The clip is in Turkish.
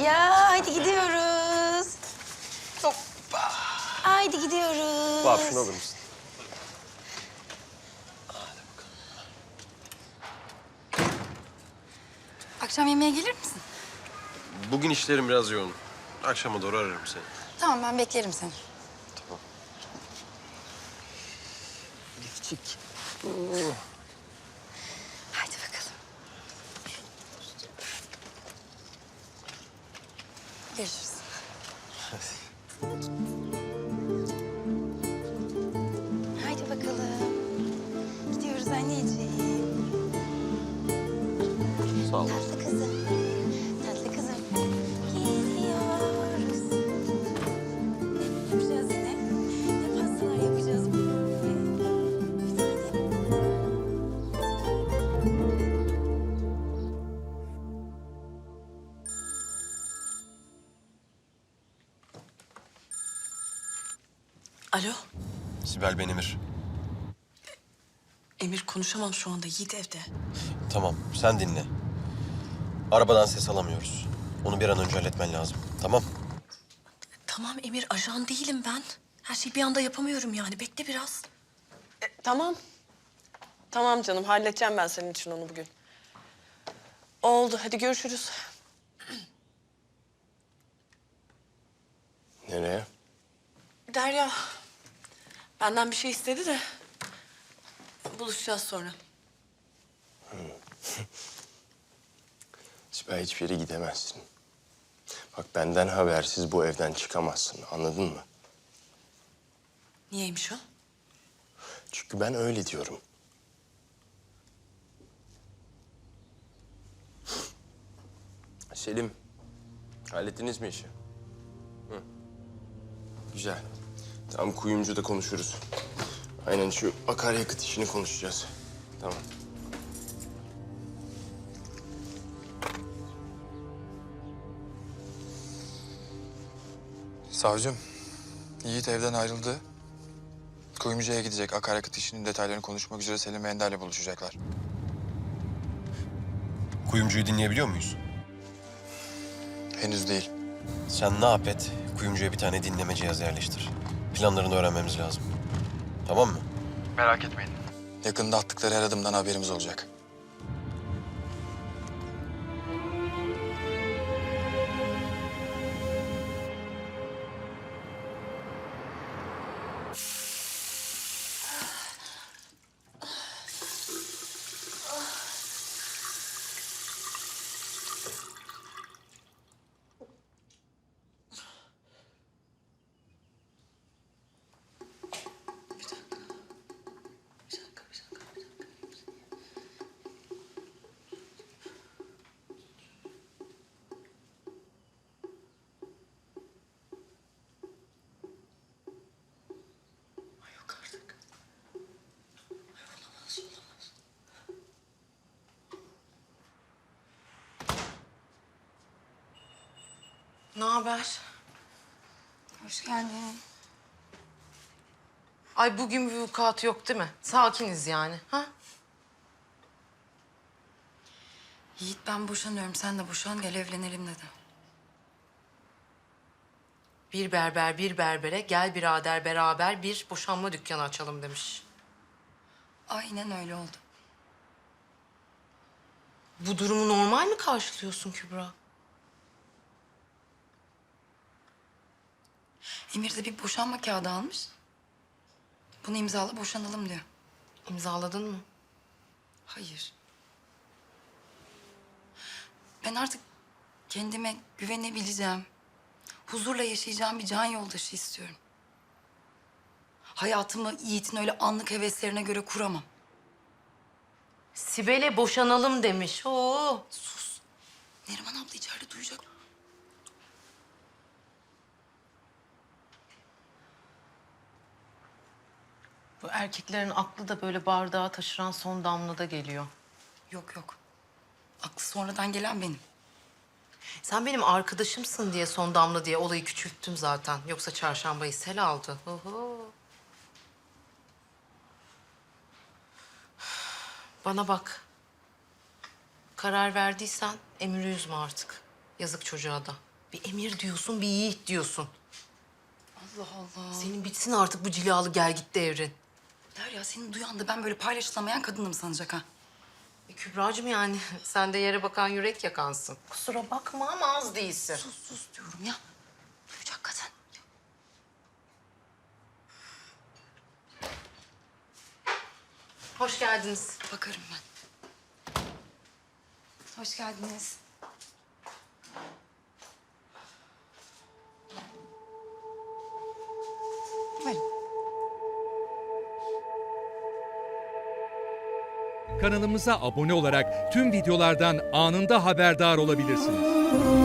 Ya hadi gidiyoruz. Hoppa. Haydi gidiyoruz. Vahap şunu alır mısın? Akşam yemeğe gelir misin? Bugün işlerim biraz yoğun. Akşama doğru ararım seni. Tamam ben beklerim seni. Tamam. Küçük. Haydi bakalım. Görüşürüz. Haydi bakalım. Gidiyoruz anneciğim. Sağ ol. Tatlı kızım. Tatlı kızım. Gidiyoruz. Ne yapacağız yine? Ne pastalar yapacağız bugün? Bir tane. Alo, Sibel ben Emir. Emir konuşamam şu anda. Yiğit evde. Tamam sen dinle. Arabadan ses alamıyoruz. Onu bir an önce halletmen lazım. Tamam. Tamam Emir, ajan değilim ben. Her şeyi bir anda yapamıyorum yani. Bekle biraz. Tamam. Tamam canım, halledeceğim ben senin için onu bugün. Oldu, hadi görüşürüz. Nereye? Derya, benden bir şey istedi de buluşacağız sonra. Sibel hiçbir yere gidemezsin. Bak benden habersiz bu evden çıkamazsın. Anladın mı? Niyeymiş o? Çünkü ben öyle diyorum. Selim, hallettiniz mi işi? Hı. Güzel. Tamam kuyumcuda konuşuruz. Aynen şu akaryakıt işini konuşacağız. Tamam. Savcım, Yiğit evden ayrıldı. Kuyumcuya gidecek. Akaryakıt işinin detaylarını konuşmak üzere Selim ve Ender'le buluşacaklar. Kuyumcuyu dinleyebiliyor muyuz? Henüz değil. Sen ne yap et? Kuyumcuya bir tane dinleme cihazı yerleştir. Planlarını öğrenmemiz lazım. Tamam mı? Merak etmeyin. Yakında attıkları her adımdan haberimiz olacak. Ne haber? Hoş geldin. Ay bugün bir vukuat yok değil mi? Sakiniz yani. Ha? Yiğit ben boşanıyorum. Sen de boşan gel evlenelim dedi. Bir berber bir berbere gel birader beraber bir boşanma dükkanı açalım demiş. Aynen öyle oldu. Bu durumu normal mi karşılıyorsun Kübra? Emir de bir boşanma kağıdı almış. Bunu imzala boşanalım diyor. İmzaladın mı? Hayır. Ben artık kendime güvenebileceğim, huzurla yaşayacağım bir can yoldaşı istiyorum. Hayatımı Yiğit'in öyle anlık heveslerine göre kuramam. Sibel'e boşanalım demiş. Oo. Sus. Neriman abla içeride duyacak. Bu erkeklerin aklı da böyle bardağa taşıran son damlada geliyor. Yok yok. Aklı sonradan gelen benim. Sen benim arkadaşımsın diye son damla diye olayı küçülttüm zaten. Yoksa çarşambayı sel aldı. Oho. Bana bak. Karar verdiysen Emir'i üzme artık. Yazık çocuğa da. Bir Emir diyorsun, bir Yiğit diyorsun. Allah Allah. Senin bitsin artık bu cilalı gel git devrin. Derya seni duyan da ben böyle paylaşılamayan kadınım sanacak ha. Kübracığım yani sen de yere bakan yürek yakansın. Kusura bakma ama az değilsin. Sus diyorum ya. Duyacak kadın. Hoş geldiniz. Bakarım ben. Hoş geldiniz. Buyurun. Kanalımıza abone olarak tüm videolardan anında haberdar olabilirsiniz.